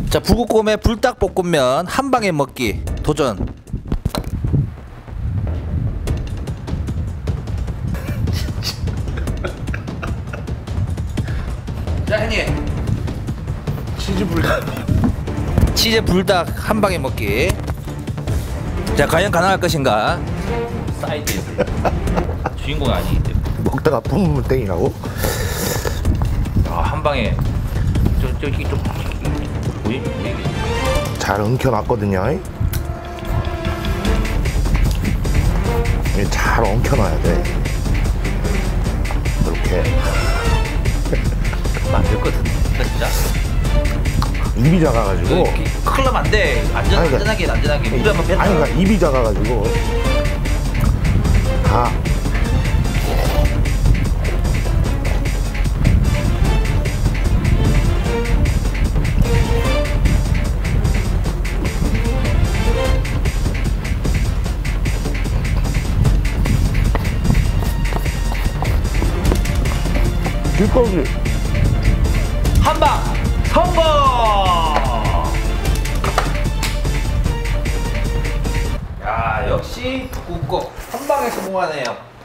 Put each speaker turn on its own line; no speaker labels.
자, 북극곰의 불닭볶음면 한 방에 먹기 도전. 자, 형님. 치즈 불닭 한 방에 먹기. 자, 과연 가능할 것인가? 사이드에 주인공이 아니기 때문에.
먹다가 뿜으면 땡이라고?
한 방에 저기 좀 보이?
잘 엉켜놨거든요. 잘 엉켜놔야 돼. 이렇게
만들거든. 진짜.
입이 작아가지고.
큰일 나면 안 돼. 안전하게 물에 한번 뱉어.
아니, 그러니까 입이 작아가지고 다. 길거리
한방 성공! 야, 역시 북극곰 한 방에 성공하네요.